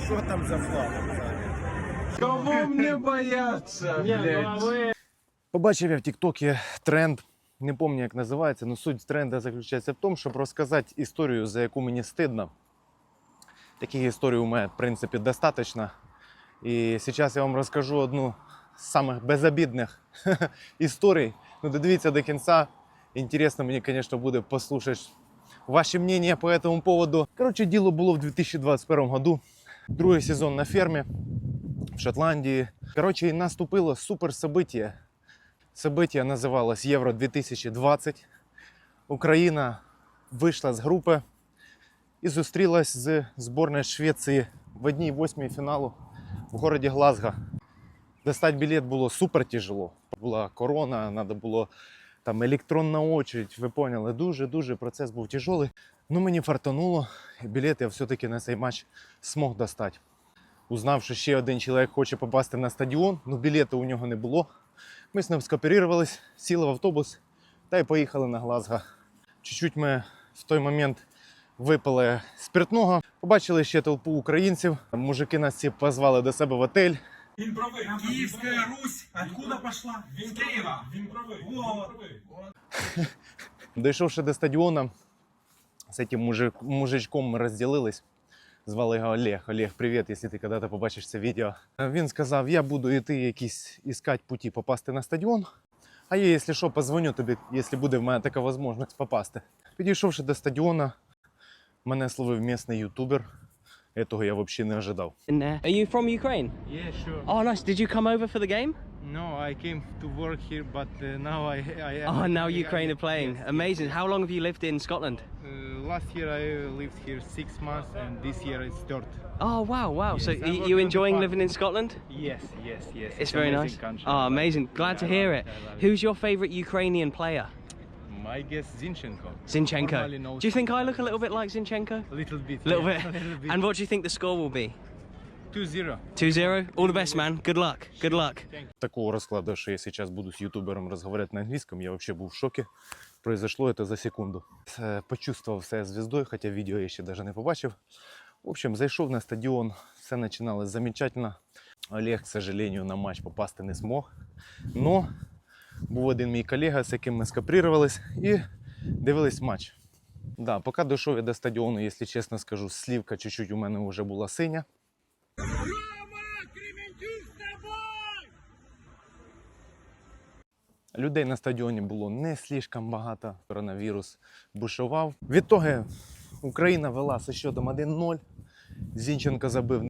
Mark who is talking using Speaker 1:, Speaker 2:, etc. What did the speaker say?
Speaker 1: Що там за флаг?
Speaker 2: Кого мне бояться, блядь?
Speaker 3: Побачив я в Тіктокі тренд, не пам'ятаю, як називається, але суть тренду заключається в тому, щоб розказати історію, за яку мені стидно. Таких історій у мене, в принципі, достатньо. І зараз я вам розкажу одну з самих безобідних історій. Ну, додивіться до кінця. Інтересно мені, звісно, буде послухати ваші мнення по этому поводу. Коротше, діло було в 2021 году. Другий сезон на фермі в Шотландії. Коротше, і наступило супер событие. Событие називалось Євро 2020. Україна вийшла з групи і зустрілась з збірною Швеції в 1/8 фіналу в городі Глазго. Достать білет було супер тяжело. Була корона, треба було там електронна очередь, ви поняли, дуже процес був тяжелий. Ну мені фартануло, і білет я все-таки на цей матч змог достати. Узнав, що ще один чоловік хоче попасти на стадіон, але білету у нього не було. Ми з ним скооперувалися, сіли в автобус та й поїхали на Глазго. Чуть-чуть ми в той момент випили спиртного, побачили ще толпу українців. Мужики нас всі позвали до себе в отель.
Speaker 1: Він правий. Київська Русь. Откуда пошла? З Києва. Він правий.
Speaker 3: Дійшовши до стадіону, з цим мужичком ми розділились. Звали його Олег. Олег, привіт, якщо ти коли-то побачиш це відео. Він сказав, я буду йти якісь іскати путі попасти на стадіон, а я, якщо що, позвоню тобі, якщо буде в мене така можливість попасти. Підійшовши до стадіону, мене словив місцевий ютубер. Этого я взагалі не ожидав.
Speaker 4: Are you from Ukraine?
Speaker 5: Yeah, sure.
Speaker 4: Oh, nice. Did you come over for the game?
Speaker 5: No, I came to work here, but now I am.
Speaker 4: Oh, now Ukraine are playing.
Speaker 5: Yes,
Speaker 4: Amazing. How long have you lived in Scotland?
Speaker 5: Last year I lived here 6 months, and this year it's third.
Speaker 4: Oh, wow.
Speaker 5: Yes,
Speaker 4: So
Speaker 5: I
Speaker 4: you
Speaker 5: work on the
Speaker 4: enjoying
Speaker 5: farm.
Speaker 4: living in Scotland?
Speaker 5: Yes.
Speaker 4: It's very
Speaker 5: amazing
Speaker 4: nice.
Speaker 5: Country.
Speaker 4: Oh, amazing. Glad to
Speaker 5: Yeah, I
Speaker 4: hear
Speaker 5: love
Speaker 4: it.
Speaker 5: I love it.
Speaker 4: Who's your favorite Ukrainian player?
Speaker 5: My guess Zinchenko.
Speaker 4: Zinchenko.
Speaker 5: Normally knows
Speaker 4: Do you think I look a little bit like Zinchenko?
Speaker 5: a little bit?
Speaker 4: Little
Speaker 5: yeah,
Speaker 4: bit.
Speaker 5: a little bit.
Speaker 4: And what do you think the score will be?
Speaker 5: 2-0.
Speaker 4: 2-0? All the best, man. Good luck. Good luck.
Speaker 3: Такого розкладу, що я зараз буду з ютубером розмовляти на англійському, я взагалі був в шокі. Произошло це за секунду. Почувствував себе звіздою, хоча відео я ще навіть не побачив. В общем, зайшов на стадіон, все починалось замечательно. Олег, к сожалению, на матч попасти не змог. Но був один мій колега, з яким ми скооперувались і дивились матч. Да, поки дійшов я до стадіону, якщо чесно скажу, слівка чуть-чуть у мене вже була синя. Людей на стадіоні було не слишком багато, коронавірус бушував. Відтоді Україна вела зі счетом 1-0, Зінченко забив